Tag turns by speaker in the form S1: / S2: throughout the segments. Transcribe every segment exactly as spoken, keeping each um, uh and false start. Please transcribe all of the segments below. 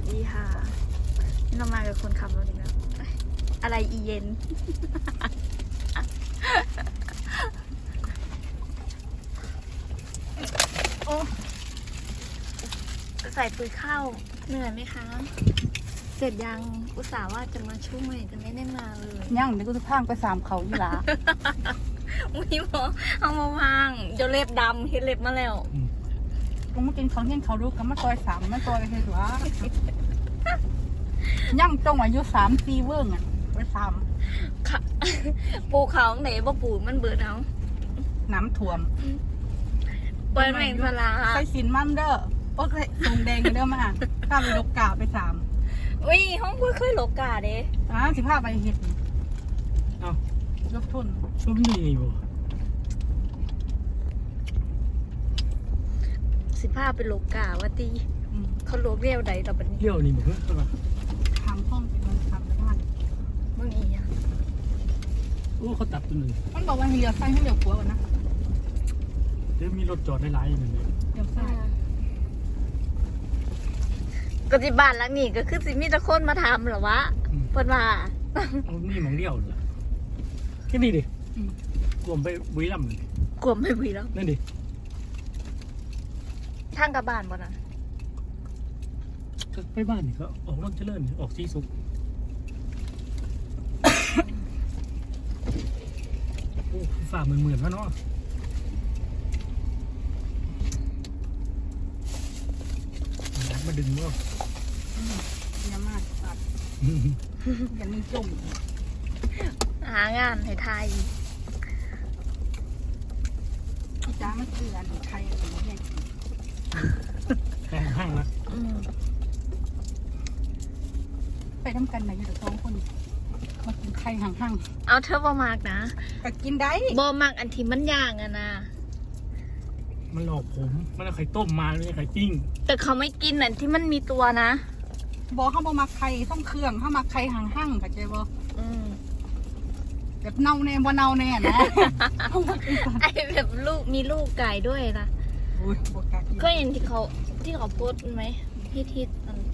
S1: ดีค่ะนี่เรามากับคนขับรถอีกแล้วอะไรอีเย็น โอ้ใส่ปุ๋ยข้าวเหนื่อยไหมคะเสร็จยังอุตส่าห์ว่าจะมาช่วยแต่ไม่ได้มาเลย
S2: ย่างเดี๋ยวกูจะพางไปสามเขาอยู่ละ
S1: อุ้ยหมอเอามาวางเดี๋ยวเล็บดำเห็นเล็บมาแล้ว
S2: กูมากินของเที่ยงเขารู้กันมาซอยสามมาซอยกันเถอะวะย่างตรงอายุสามสี่เวิ้งอ่ะไปสาม
S1: ค่ะปูเขาไหนบ่ปูมันเบิดเอา
S2: น้ำท่วม
S1: เปิดแมงสลา
S2: ใส่สินมั่มเด้อโอ้ยทรงแดงกันเด้อมาข้าไปลกกาไปสาม
S1: อุ้ยห้องพูดเคยหลบกาเด้
S2: อ่าสิพาไปเห็ด
S3: เอ้า
S2: ยกทุน
S3: ก็มีบ่
S1: สิพาไปหลบกาว่าตี
S2: อืม
S1: เขาหลบเรียวใดต่อบัดนี้
S3: เลี้ยวนี่บ่เพิ่นใช่ป่ะ
S2: ทางห้องเป็นมันทำแล้วมัน
S1: มึงอีหยัง
S3: โอ้เขาตัดตัวหนึง
S2: มันบอกว่าให้เลี้ยวซ้ายให้เลี้ยวขวาก่อนนะ
S3: เดี๋ยวมีรถจอดหลายๆนั่นแหละ
S2: เลี้ยวซ้าย
S1: ก็ที่บ้านหลังนี้ก็คือสิมีแต่คนมาทำเหรอวะเพิ่นว่า
S3: เอานี่หมองเลี้ยวเหรอแค่นี้ดิ
S2: อืม
S3: รวมไปบุรีรัมย์นี่
S1: กลัวไม่มีแล้ว
S3: นั่นดิ
S1: ทางกลับบ้านบ่น่ะ
S3: ก็ไปบ้านนี่ก็ออกรถเจริญออกสีสุขโอ้ฝ่าเหมือนเหมือนๆวะเนาะ มาดึงว่า
S2: อืมเยอะมากตัดอย่างนี้จม
S1: หางานให้ทาย
S2: จ้ามันคืออันไทยอะไรเนี่ย
S3: แข่งห้างนะ
S1: อืม
S2: ไปทำกันไหนอยู่สองคนมากินไข่ห่าง
S1: เอาเธอบ่มากนะ
S2: ๆก็กินได้
S1: บ่มากอันที่มันย่างอะนะ
S3: มันหลอกผม มันเอาไข่ต้มมาไม่ใช่ไข่ปิ้ง
S1: แต่เขาไม่กินอันที่มันมีตัวนะ
S2: บอกเขาบอกมาไข่ต้องเครื่องเขามาไข่ห่างๆเข้าใจบ่
S1: อืม
S2: แบบเน่าแน่บ่เน่าแน่นะ เขามากินกัน
S1: ไอแบบลูกมีลูกไก่ด้วยนะ
S2: โอ้ยบกล้ากิน
S1: ก็เห็นที่เขาที่เขาโพสต์ไหมที่ที่อัน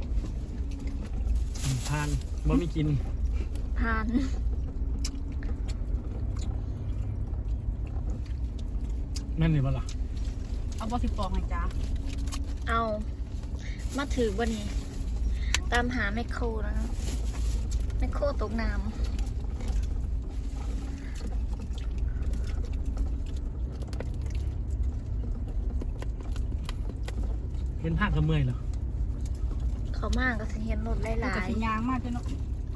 S3: ทานบ่ไม่กิน
S1: ทาน
S3: นั่นเลยปะล่ะ
S2: เอาบอสิปองให้จ้า
S1: เอามาถือวันนี้ ตามหาแมคโครนะแมคโครตกน้
S3: เห็นภาคกระเมื่อยเหรอ
S1: ำเขามากก็สิเห็นรถห
S2: ลูก
S1: ลาก
S2: ระ
S1: ย
S2: สิยางมากเลยเนาะ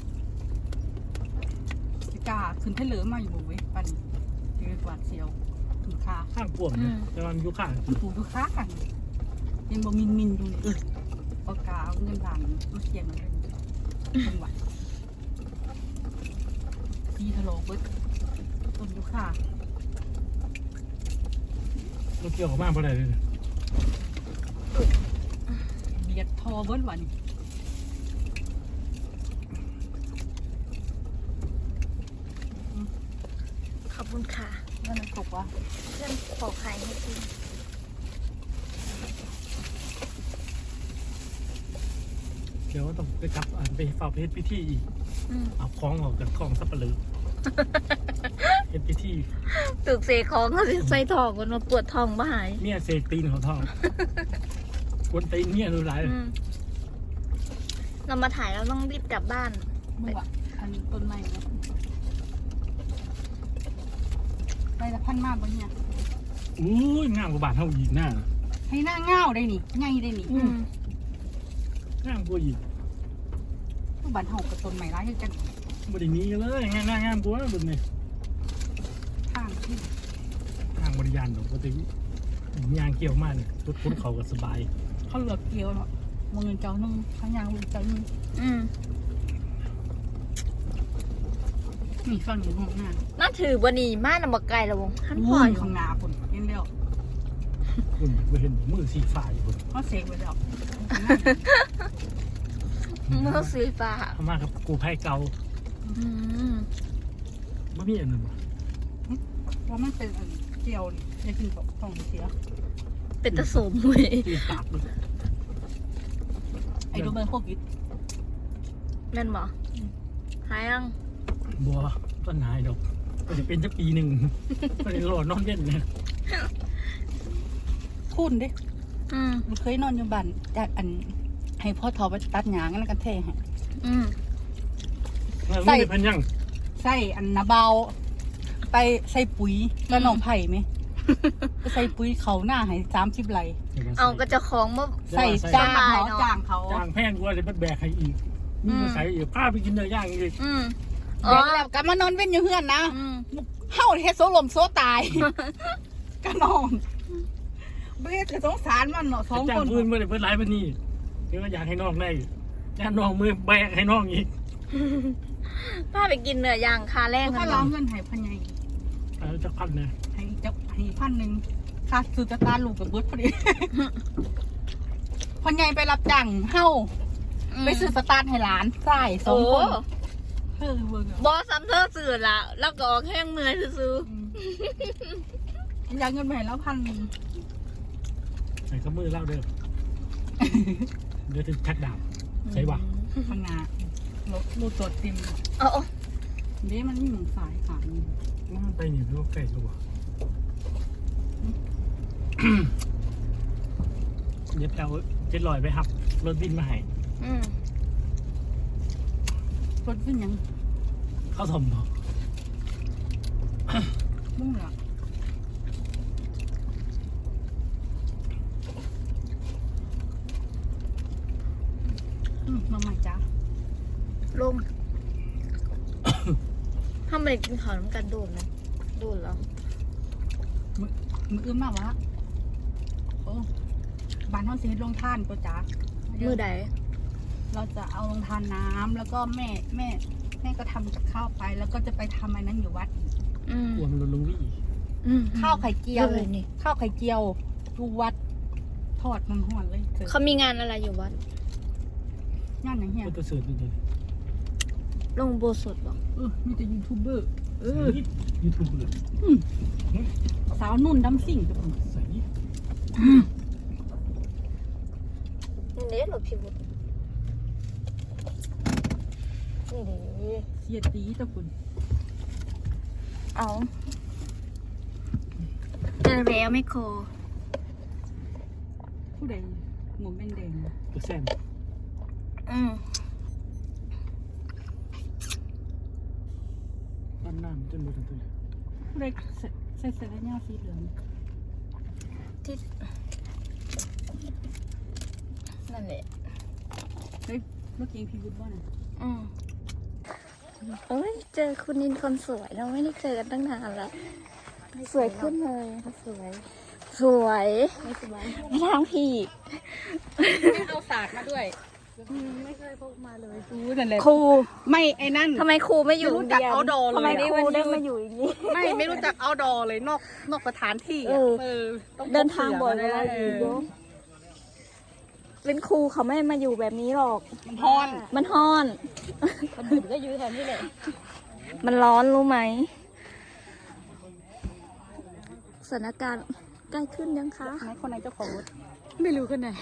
S2: สิกาขึ้นเทเหลือมาอยู่บ่เว้ยปันยืดหวาดเสียวถึงคา
S3: ข้างปวดนะแต่ว่ามันอยู่ข้าง
S2: มันถูกทุกค้ากันยังบ่มินมินๆอยู่นี่เออปากกาเอาเงินด่านมาเขียนมาเลยจังหวัดซีทะโลเบิดต้นยุค่าร
S3: ถเกี่ยวกับมากเพราะอะไรเลย
S2: เบียดทอเบิดวัน
S1: ขอบคุณค่ะ
S2: นั่นมันตกวะ
S1: เพื่อนปอกไข่ให้กิน
S3: เดี๋ยวต้องไปจับอ่านไปฝากเพชรพิธีอีก
S1: อืม
S3: เอาคล้องออกจากท้องสับปะเลอเพชรพิธี
S1: ตึกเสกของเขาสิใส่ทองกันมาปวดท้องบ่หาย
S3: เมียเสกตีนเขาท้องกวนตีนเมียดูไร
S1: อืมเรามาถ่ายเราต้องรีบกลับบ้าน
S2: เมื่อวะอันนี้ต้นไม้เนาะไปละพันมากบนเนี่ย
S3: อู้ยงามกว่าบาทเท่าอีกหน้า
S2: ให้หน้าเง่าได้นี่ไงได้นี่
S1: อืม
S3: งามกว่าอีก
S2: ทุกบ้านเฮากับต้นไม้ร้ายคือกัน
S3: บไดีนี้เลยงามงามงามกว่าบึงเลย
S2: ทางที่
S3: ทางบริยานดอกปกติยางเกี่ยวมากเนี่ยรถคุ้นเขาก็สบาย
S2: เขาเหลือเกี่ยวเนาะมองเงินเจ้านึงข้างยางลูกเจ้านึง
S1: อืม
S2: นี่ฟังอยู่ห้องหน้า
S1: น่าถือวันนี้มาหนำบกไก่ละวงท่านพ่อ
S2: วุ่น
S1: อยู่
S2: ข้างหน้าคนเห็นแล้ว
S3: คุณไปเห็นมือสีฟ้าอยู่คน
S2: เขาเสกไว้แล้ว
S1: เมื่อสีฟ้า
S3: เขามากับกูไพ่เก่า
S1: อืม
S3: ไม่มีอันหนึ่ง
S2: ว่ามันเป็นอันเกี่ยวนี่จะกินกับท้องเสีย
S1: เป็นตะสมเว้ย
S3: ตีปากเลย
S2: ไอ้โดนเป็นโควิด
S1: แม่นบ่หายยัง
S3: บัวต้นหายดอกก็จะเป็นจะปีหนึ่งก็เลยรอนอนเล่นเนี่ย
S2: ทุนเด้
S1: อืม
S2: มันเคยนอนอยู่บ้านจากอันให้พ่อทอไปตัดหญ้างั้นกันแท้ให้
S1: อืม
S3: ใส่พันยัง
S2: ใส่อันนาเบาไปใส่ปุ๋ยแล้วน้องไผ่ไหม ไปใส่ปุ๋ยเขาหน้าให้สามสิบไร่
S1: เอาก็จะของมา
S2: ใส่จ้าง
S1: สบาย
S2: เขา
S1: เนอะ
S2: จ้างเขา
S3: จ้างแพงกว่าจะไปแบกใครอีกมีมาใส่อีกพาไปกินเนื้อย่างอีก
S1: อืม
S2: เดี๋ยวแล้วก็มานอนเว้นอยู่เฮือนนะ
S1: อืม
S2: เฮาเฮ็ดโซลมโซตาย ก็นอนเบ็ดจะสงสารมันเนาะสอง
S3: จ้า
S2: ค
S3: ง
S2: น
S3: พื้นเมื่อไหร่เพื่อนไล่มานี่เดี๋ยวก็อยากให้น้องได้จ้างน้องมือแบกให้น้องอีก
S1: พาไปกินเนื้อย่างคาแรก
S2: ถ้า
S1: กัน
S2: เรา
S1: เนาะ
S2: เงินให้พันใหญ่
S3: เอาจะพันนะ
S2: ให้จักให้พันหนึ่งค่าซื้อตะการลูกกับเบิดพอดี พันใหญ่ไปรับจ้างเฮาไปซื้อสตาร์ทให้หลานใส่สองคนเออเวิร์ก
S1: บอสซัมเธอสื่อละแล้วก็ออกแห้งเมื่อยซื้อ
S2: อยากเงินไปให้แล้วพันหนึ่ง
S3: ใส่ข้ามือเล่าเด้อเดี๋ยวจะชักดาบใส่หวัง
S2: พังงาลูกลูกตัวเต็ม
S1: เอาเอา
S2: เด้มันมีหมูสายขาดนี่
S3: มันไปนี่เพื่อไก่ตัวเดี๋ยวเอาเจ็ดลอยไปครับรถบินมาให้
S1: อืม
S2: รถขึ้นยัง
S3: เข้าสมบอก
S2: มุ่งเหรออืมมาใหม่จ้า
S1: ลงทำไมกินข้าวน้ำกันโดนนะโดนแล้ว
S2: มือมืออื้มมากวะโอ้บ้านห้องเสียลงท่านก็จ้า
S1: มือใด
S2: เราจะเอาลงทานน้ำแล้วก็แม่แม่แม่ก็ทำกับข้าวไป แล้วก็จะไปทำอันนั้นอยู่วัดอีก
S1: อืม
S3: กลัวมันลงวี่
S1: อืม
S2: ข้าวไข่เจียว
S1: เลยนี่
S2: ข้าวไข่เจียวดูวัดทอดมันห่อนเลยเถอะ
S1: เขามีงานอะไรอยู่วัด
S2: ย่านไหนเฮีย
S3: ก็ตัวเสือตัวเดียว
S1: ลงโบสถ์บอก
S2: เออมีแต่ยูทูบเบอร์เออ
S3: ยูทูบเบอร์
S2: สาวนุ่นดำสิ่งกับผม
S3: ใส่
S1: นี่เด็ดหรอพี่บุตรนี่ดิ
S2: เสียตีตะคุณ
S1: เอาเจอแล้วไม่โค
S2: ผู้ใดหมวกแดง
S3: ตัวแซม
S1: อืม
S3: ปั้นน้ำจนหมดทั้งตัว
S2: ๆผู้ใดใส่ใส่เสื้อแขนยาวสีเหลือง
S1: ที่นั่นแหละ
S2: เฮ้ยเมื่อกี้พี่บุญว่าไง
S1: อืมเอ้ย เจอคุณนินคนสวยเราไม่ได้เจอกันตั้งนานแล้ว สวยขึ้นเลยสวย สวย
S2: ไม่สบาย
S1: ไม่ทางพี่
S2: ไม่เอาศาสตร์มาด้วยไม่เคยพกมาเลยรู้นั่นแหละ
S1: ครู
S2: ไม่ไอ้นั่น
S1: ทำไมครูไม่อยู่
S2: ไม่รู้จัก
S1: รียน
S2: outdoor เลย
S1: ทำไม
S2: อะ
S1: ครูได้มาอยู่อย่างนี้
S2: ไม่ไม่รู้จักเอาดอเลยนอกนอกสถานที่
S1: เอ
S2: อะ
S1: อ
S2: เออต้องพก
S1: เดินทางบ่อยเว
S2: เสื
S1: ลา
S2: มา
S1: อยู่
S2: เอ
S1: เย
S2: อ
S1: อะเป็นครูเขาไม่มาอยู่แบบนี้หรอก
S2: มันพอน
S1: มันฮ้อน
S2: คนอื่นก็อยู่แถวนี้แหละ
S1: มันร้อนรู้ไหมสถานการณ์ใกล้ขึ้นยังคะ
S2: ไหนคนไหนเจ้าของรถ
S1: ไม่รู้คนไหน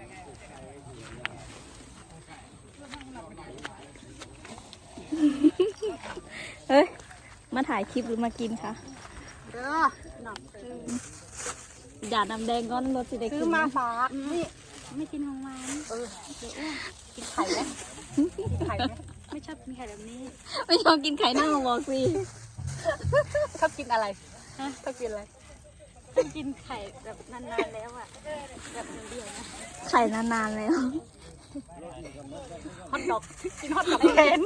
S1: เฮ้ย มาถ่ายคลิปหรือมากินคะ
S2: เด้อหนัก
S1: อย่าน้ำแดงก้อนรถสิได้
S2: ซื้
S1: กิ
S2: อน มาฝากนี่
S1: ไม่กินของมัน
S2: เออเดี๋ยวอ้วนกินไข่ไหมกินไข่ไหมไม่ชอบกินไข่แบบนี้
S1: ไม่ชอบกินไข่เน่าบอกสิ
S2: ชอบกินอะไรฮะชอบกินอะไร
S1: ต้องกินไข่แบบนานๆแล้วอ่ะ แบบเดียวนะ ไข่นานๆแล้ว
S2: ฮอทดอกกินฮอทดอกแทน
S1: ไป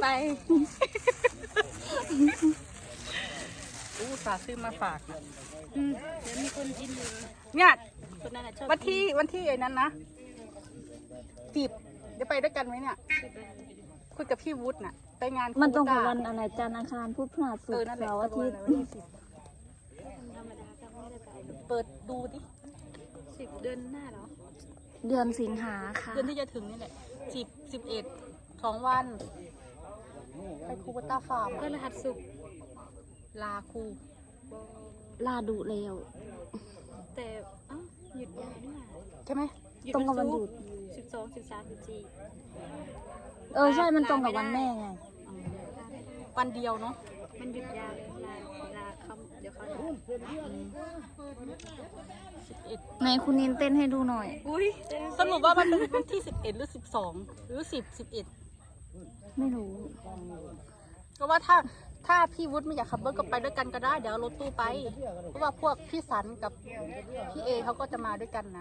S2: อู้ฝากซื้อมาฝาก
S1: อืมเดี๋ยวมีคนกินอยู่
S2: เนี่ย
S1: คนนั้นน่ะชอบ
S2: วันที่วันที่ไอ้นั้นนะจีบเดี๋ยวไปด้วยกันไหมเนี่ยคุยกับพี่วุฒิน่ะไปงาน
S1: มันตรงกับ
S2: ค
S1: วันอะไรจันทร์อังคารพุธพฤหัสศุ
S2: เอก อ
S1: ร์
S2: นั่นแหละ
S1: เสาร์อาทิตย์
S2: วันที่สิบเปิดดูดิ
S1: สิบเดือนหน้าเหรอ เดือนสิงหาค่ะ
S2: เดือนที่จะถึงนี่แหละสิบสิบเอ็ดสองวัน ไปคูเบต้าฟาร์ม
S1: พฤหัสศุกร์
S2: ลาคู
S1: ลาดูแล้ว แต่เอ้าหยุดยาวด้วย
S2: ใช่ไหม
S1: ตรงกับวันหยุดสิบสองสิบสามสิบสี่
S4: เออใช่มันตรงกับวันแม่ไง
S2: อืมวันเดียวเนาะ
S1: มันหยุดยาวลาลาเขาเดี๋ยวเขา
S2: สิบเอ็ด
S4: ไหนคุณนินเต้นให้ดูหน่อย
S1: อุ้ย
S2: สรุปว่ามันเป็นวันที่สิบเอ็ดหรือสิบสองหรือสิบสิบเอ็ด
S4: ไม่รู้
S2: ก็ว่าถ้าถ้าพี่วุฒิไม่อยากขับรถก็ไปด้วยกันก็ได้เดี๋ยวเอารถตู้ไป เพราะว่าพวกพี่สันกับพี่เอเขาก็จะมาด้วยกันนะ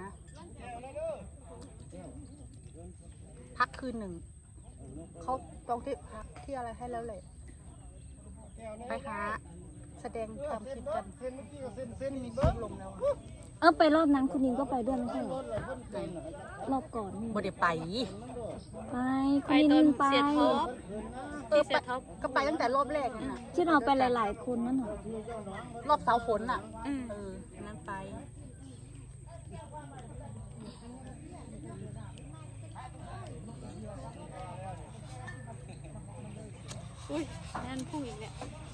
S2: พักคืนหนึ่งเขาจองที่พักที่อะไรให้แล้วเลยไปหาแสดงทำคลิปกันที่มีคลิปลงแล้วอะ
S4: เออไปรอบนั้นคุณนินก็ไปด้วยไม่ใช่เหรอรอบก่อนนี่
S2: บ่ได้ไป
S4: ไปคุ
S1: ไป
S4: ณนิน
S1: ตอน
S4: ไป
S1: เสียท็อป
S2: เออไปก็ไปตั้งแต่รอบแรกนั่นน่ะ
S4: ที่เราไปหลาย ๆ คนนั่นเหรอ
S2: รอบเสาฝนน่ะ
S1: อืม
S2: เออนั่นไป
S1: อุ้ยนั่นพุ่งอีกแล้ว